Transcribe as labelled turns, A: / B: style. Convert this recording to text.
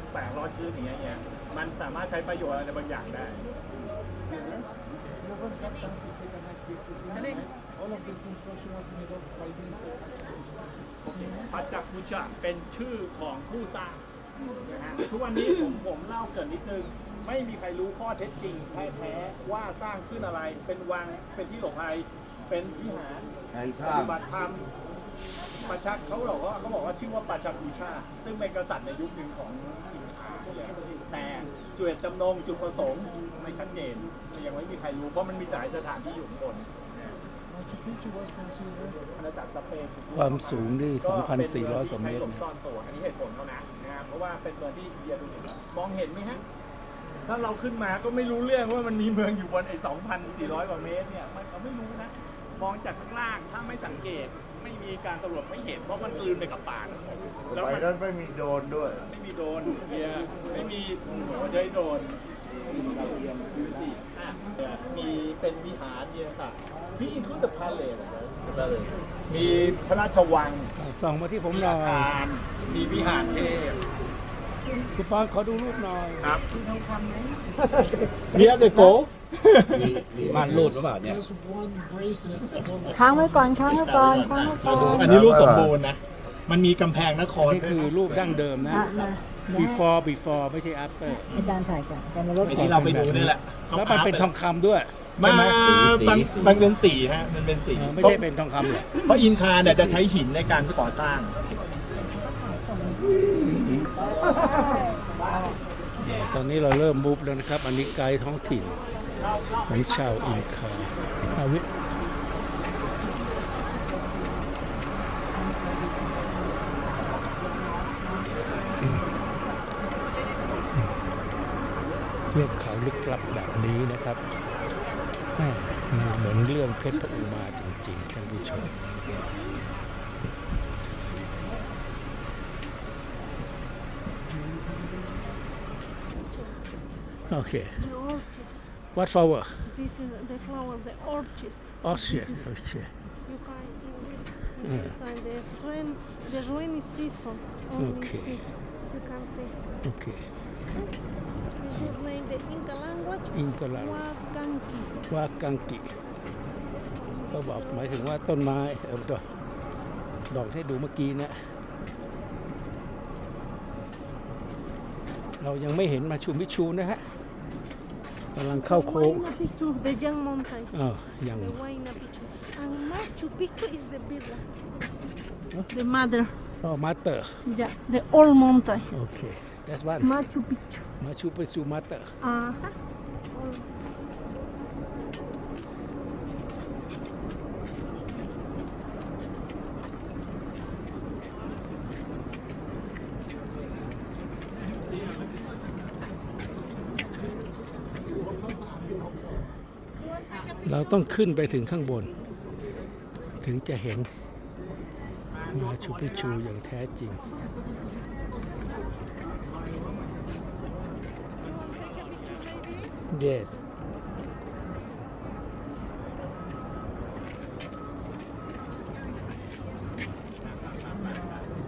A: แปลกรอดชื้นอย่างเงี้ยมันสามารถใช้ประโยชน์อะไรบางอย่างได้
B: All of the construction was made of by the
A: ปัจจักกุชะเป็นชื่อของผู้สร้างนะฮะทุกวันนี้ผมเล่าเกิดนิดนึงไม่มีใครรู้ข้อเท็จจริงแท้ๆว่าสร้างขึ้นอะไรเป็นวังเป็นที่หลบภัยเป็นวิหาร
C: ใครส
A: ป
C: ร้าง
A: ฏิบัติธรรมประชักเขาบอกว่าชื่อว่าปัจจักกุชาซึ่งเป็นกษัตริย์ในยุคหนึ่งของอินคาแต่จุดจำนงจุดประสงค์ไม่ชัดเจนยังไม่มีใครรู้เพราะมันมีสถานที่อยู่ข้างบน
B: Machu Picchu was considered
A: อาณาจักรสเปน
D: ความสูงนี่ 2,400 กว่าเมตร
A: หลบซ่อนตัวอันนี้เหตุผลเขานะนะครับเพราะว่าเป็นเมืองที่อินเดียดูดิมองเห็นไหมฮะถ้าเราขึ้นมาก็ไม่รู้เรื่องว่ามันมีเมืองอยู่บนไอ้ 2,400 กว่าเมตรเนี่ยมันเราไม่รู้นะมองจากข้างล่างถ้าไม่สังเกตไม่มีการตำรวจไม่เห็นเพราะมันกลืนไปกับป่าแล้ว
C: ไป
A: มัน
C: นั้นไม่มีโดรนด้วย
A: ไม่มีโดรนเนี่ยไม่มีหัวใจโดรนดาวเทียมดูสิมีเป็นวิหารเนี่ยค่ะที่ include the palace มีพระราชวัง
D: ส่องมาที่ผม
A: มี
D: หน่อ
A: อาย คารมีวิหารเทพ
D: คุณปอนขอดูรูปหน่อย
A: ครับเนี่ยเด็กโก
D: มีม่านรูดหรือเปล่าเนี่ย
B: just one bracelet on
E: ค้างไว้ก่อนค้างไว้ก่อนค้างไว้ก่อน
A: อันนี้รูปสมบูรณ์นะ มันมีกำแพงนคร
D: นี่คือรูปดั้งเดิมนะ
E: มา
D: before ไม่ใช่ after
E: อาจารย์ถ่ายก่อนอาจารย์ในรถ
A: ไอ้ที่เราไปดูนี่แหละ
D: แล้วมันเป็นทองคำด้วย
A: มา
D: ใช่ไหม
A: มันเป็นสีฮะมันเป็นสี
D: ไม่ใช่เป็นทองคำหรอก
A: เพราะอินคาเนี่ยจะใช้หินในการก่อสร้าง
D: ตอนนี้เราเริ่มมูฟแล้วนะครับ อันนี้ไกด์ท้องถิ่นของชาวอินคาอาวิเทือกเขาลึกลับแบบนี้นะครับแม่เหมือนเรื่องเพชรพระอุมาจริงๆท่านผู้ชม Okay.
F: The orchids.
D: What flower?
F: This is the flower, the orchids.
D: Orchid.
F: This is-
D: Okay.
F: You find in this time the rainy season. Only
D: Okay.
F: see. You can see.
D: Okay.
F: Is your name the Inca language?
D: Inca language.
F: Huacanqui.
D: ว่ากังกิ ก็บอกหมายถึงว่าต้นไม้ดอกที่ดูเมื่อกี้นะ เรายังไม่เห็นมาชูมิชูนะฮะกำลังเข้าโค้ง
F: Huayna Picchu, the young mountain.
D: ยัง
F: The Huayna Picchu. And Machu Picchu is the big one. The mother.
D: มาเตอร์
F: Yeah, the old mountain.
D: โอเค that's one
F: Machu Picchu.
D: มาชูไปสู่มาเตอร์
F: Old.
D: เราต้องขึ้นไปถึงข้างบน ถึงจะเห็นมาชูปิชูอย่างแท้จริง yes